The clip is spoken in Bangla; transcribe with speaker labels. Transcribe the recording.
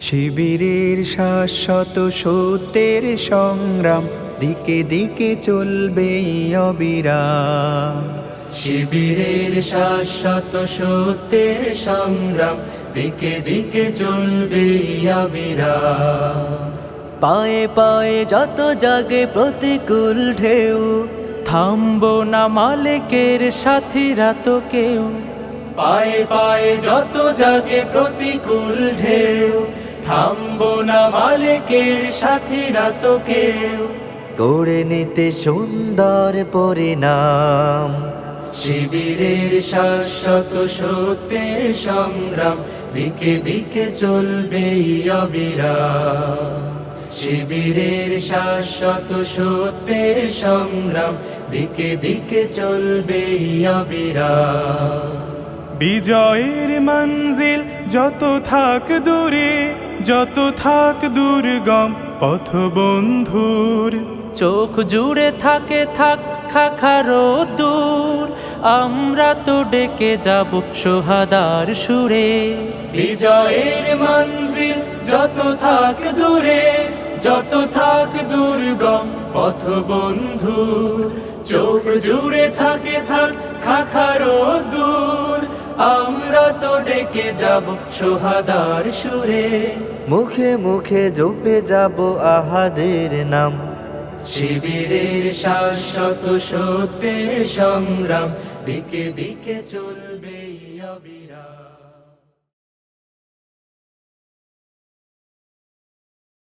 Speaker 1: শিবিরের শাশ্বত সত্যের সংগ্রাম দিকে দিকে চলবে অবিরাম।
Speaker 2: শিবিরের শাশ্বত সত্যের সংগ্রাম দিকে দিকে চলবে অবিরাম।
Speaker 1: পায়ে পায়ে যত জাগে প্রতিকূল ঢেউ, থামবো না মালিকের সাথীরা তো কেউ।
Speaker 2: পায়ে পায়ে যত জাগে প্রতিকূল ঢেউ, থামবো না মালিকের সাথীরা তো কেউ।
Speaker 1: গড়ে নিতে সুন্দর পরিণাম।
Speaker 2: শিবিরের শাশ্বত সত্যের সংগ্রাম দিকে দিকে চলবে অবিরাম। শিবিরের শাশ্বত সত্যের সংগ্রাম দিকে দিকে চলবে অবিরাম।
Speaker 3: বিজয়ের মঞ্জিল যত থাক দূরে, যত থাক দুর্গম পথ বন্ধুর,
Speaker 4: চোখ জুড়ে থাকে থাক খাখারো দূর, আমরা তো ডেকে যাব সোহাদার সুরে।
Speaker 2: বিজয়ের মঞ্জিল যত থাক দূরে, যত থাক দুর্গম পথ বন্ধুর, চোখ জুড়ে থাকে থাক খাখারো দূর, আমরা তো ডেকে যাব সোহাদার সুরে।
Speaker 1: মুখে মুখে জপে যাব আহাদের নাম।
Speaker 2: শিবিরের শাশ্বত সত্যের সংগ্রাম দিকে দিকে চলবে অবিরাম।